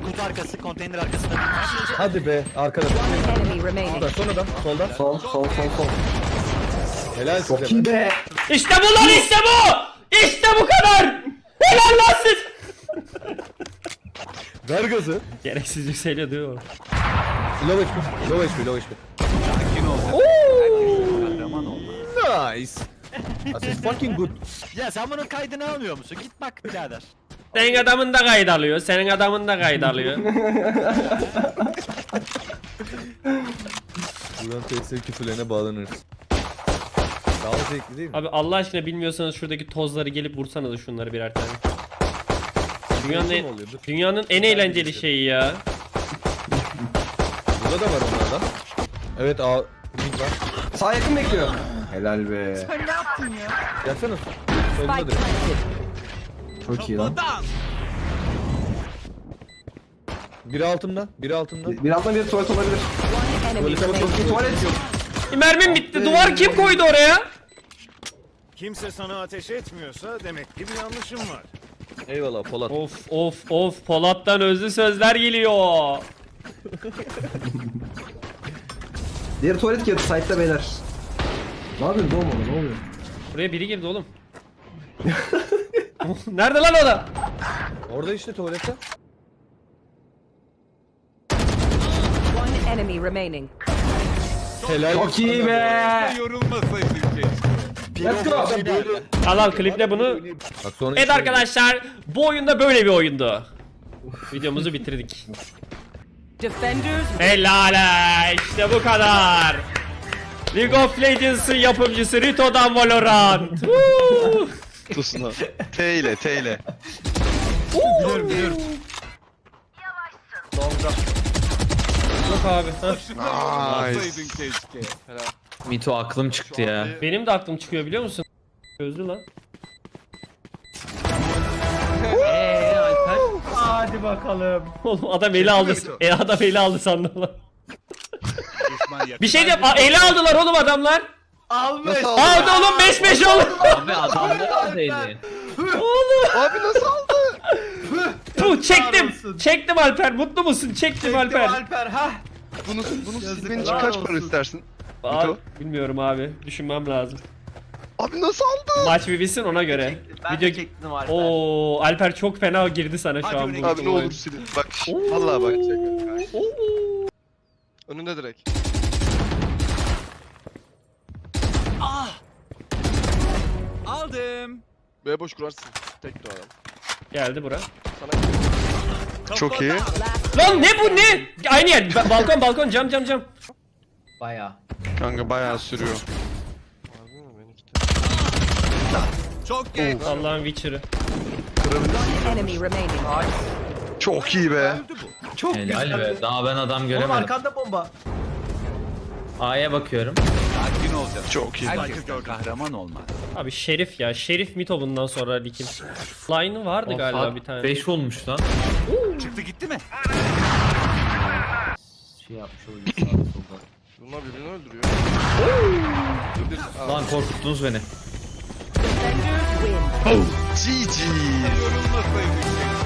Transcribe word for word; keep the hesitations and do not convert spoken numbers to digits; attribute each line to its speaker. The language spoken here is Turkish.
Speaker 1: Kutu arkası, konteyner arkasında.
Speaker 2: Hadi be arkada.
Speaker 3: Enemy remaining.
Speaker 2: Solda, son adam. Solda.
Speaker 4: Sol sol sol sol.
Speaker 2: Helal size.
Speaker 4: Çok iyi be.
Speaker 5: İşte bu lan, işte bu! İşte bu kadar! Helal lan siz!
Speaker 2: Ver gazı.
Speaker 5: Gereksiz yükseliyor diyor.
Speaker 2: Low H P. Low H P. Low H P. Nice. This is fucking good.
Speaker 1: Ya sen bunun kaydını almıyor musun? Git bak birader.
Speaker 5: Senin adamın da kayıt alıyor, senin adamın da kayıt alıyor.
Speaker 2: Buradan T S küfürlerine bağlanırız. Daha zevkli değil mi?
Speaker 5: Abi Allah aşkına bilmiyorsanız şuradaki tozları gelip vursanız şunları birer tane. Dünyanın en,
Speaker 2: oluyor? Dur.
Speaker 5: dünyanın en eğlenceli şeyi ya.
Speaker 2: Burada da var onlardan. Evet A. Mid var.
Speaker 4: Sağ yakın bekliyor. Helal be.
Speaker 1: Sen ne yaptın ya?
Speaker 2: Gelsene. Solunda
Speaker 3: Spike
Speaker 2: direkt.
Speaker 3: planted.
Speaker 4: Çok iyi lan.
Speaker 2: Biri altımda. Biri altımda.
Speaker 4: Birazdan bir tuvalet olabilir.
Speaker 3: One enemy
Speaker 2: Tuvalete
Speaker 3: remaining.
Speaker 2: bakıyorum.
Speaker 4: Tuvalet yok.
Speaker 5: Mermim bitti. Duvar kim koydu oraya?
Speaker 6: Kimse sana ateş etmiyorsa demek ki bir yanlışın var.
Speaker 2: Eyvallah Polat.
Speaker 5: Of of of, Polat'tan özlü sözler geliyor.
Speaker 4: Diğer tuvalet kağıdı site'da beyler. Ne yapıyorsun oğlum orada, ne oluyor?
Speaker 5: Buraya biri girdi oğlum. Nerede lan o da?
Speaker 2: Orada işte tuvalette.
Speaker 3: One enemy remaining.
Speaker 2: Helal.
Speaker 4: Çok iyi be.
Speaker 6: Yorulmasaydın keşke.
Speaker 4: Let's go.
Speaker 5: Al al, kliple bunu.
Speaker 2: Bak sonra
Speaker 5: Evet
Speaker 2: işte-
Speaker 5: arkadaşlar, bu oyunda böyle bir oyundu. Videomuzu bitirdik.
Speaker 3: Defenders
Speaker 5: Helal, işte bu kadar. League of Legends'ın yapımcısı Rito'dan Valorant. Woo!
Speaker 7: Tusuna. T ile T ile.
Speaker 1: Biliyorum biliyorum.
Speaker 5: Yok abi. heh.
Speaker 6: Yorulmasaydın keşke.
Speaker 8: Mito aklım çıktı ya.
Speaker 5: Benim de aklım çıkıyor biliyor musun? Gözlü lan.
Speaker 8: Eee Alper?
Speaker 5: Hadi bakalım. Oğlum adam eli aldı. E, adam eli aldı sandım lan. Bir şey diyeyim. Aa, eli aldılar oğlum adamlar.
Speaker 7: Nasıl aldı?
Speaker 5: Aldı oğlum, beş beş oldu.
Speaker 8: Abi adamlar neredeydi?
Speaker 7: Abi nasıl aldı?
Speaker 5: Puh, çektim. Çektim Alper. Mutlu musun? Çektim Alper.
Speaker 7: Bunu bunu silmen için kaç para istersin?
Speaker 5: Abi,
Speaker 7: Mito?
Speaker 5: bilmiyorum abi. Düşünmem lazım.
Speaker 7: Abi nasıl aldı?
Speaker 5: Maç bir bitsin ona göre. Video Oo, Alper çok fena girdi sana şu an bu.
Speaker 7: Abi ne olur silin. Bak şş, vallahi bak. Önünde direkt.
Speaker 6: Aldım.
Speaker 7: B boş kurarsın. Tek de adam.
Speaker 5: Geldi bura.
Speaker 7: Çok iyi.
Speaker 5: Lan ne bu ne? Aynı yer. Ba- balkon balkon, cam cam cam.
Speaker 8: Baya.
Speaker 7: Kanka bayağı sürüyor.
Speaker 6: Çok geç.
Speaker 5: Allah'ın Witcher'ı.
Speaker 3: one enemy remaining.
Speaker 7: Çok iyi be.
Speaker 8: Helal be. Daha ben adam göremedim.
Speaker 1: arkanda bomba.
Speaker 8: A'ya bakıyorum.
Speaker 6: Sakin olacağız.
Speaker 7: Çok iyi.
Speaker 6: Herkes kahraman olmaz.
Speaker 5: Abi Şerif ya. Şerif Mito bundan sonra likim. Line'ı vardı galiba bir tane.
Speaker 8: beş olmuş lan.
Speaker 6: Çıktı gitti mi?
Speaker 8: Şey yapmış olabilir sağda solda.
Speaker 7: Bunlar birbirini öldürüyor.
Speaker 8: Lan korkuttunuz beni.
Speaker 3: Defenders win.
Speaker 7: G G.
Speaker 6: Yorulmasaydın keşke.